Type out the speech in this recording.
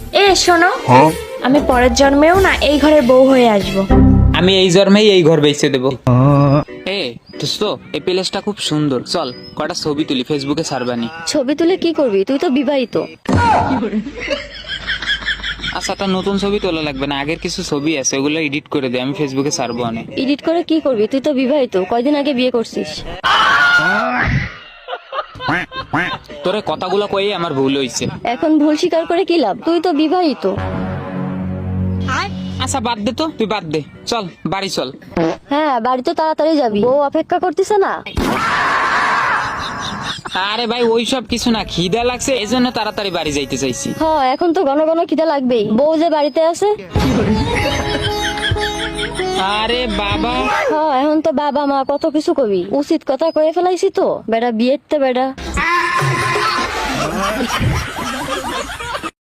এ শোনো, আমি পরের জন্মেও না এই ঘরের বউ হয়ে আসবো। আমি এই জন্মেই এই ঘর বেচে দেবো। এ দোস্ত, এই প্লেসটা খুব সুন্দর, চল কটা ছবি তুলি, ফেসবুকে ছাড়বানি। ছবি তুলে কি করবি? তুই তো বিবাহিত। আচ্ছা, একটা নতুন ছবি তোলা লাগবে না, আগের কিছু ছবি আছে ওগুলো এডিট করে দে, আমি ফেসবুকে ছাড়বো অনেক। এডিট করে কি করবি? তুই তো বিবাহিত, কয়দিন আগে বিয়ে করছিস। তোরে কথাগুলো কয়ে আমার ভুল হয়েছে। এখন ভুল স্বীকার করে কি লাভ? তুই তো বিবাহিত। আচ্ছা বাদ দে তো, তুই বাদ দে, চল বাড়ি চল। হ্যাঁ, বাড়ি তো তাড়াতাড়ি যাবি, বউ অপেক্ষা করতেছে না। আরে ভাই ওইসব কিছু না, খিদা লাগছে এই জন্য তাড়াতাড়ি বাড়ি যাইতে চাইছি। হ্যাঁ, এখন তো ঘন ঘন খিদে লাগবেই, বউ যে বাড়িতে আছে। আরে বাবা, হ্যাঁ, এখন তো বাবা মা কত কিছু কবি, উচিত কথা কয়ে ফেলাইছি তো বেটা, বিয়েতে বেটা।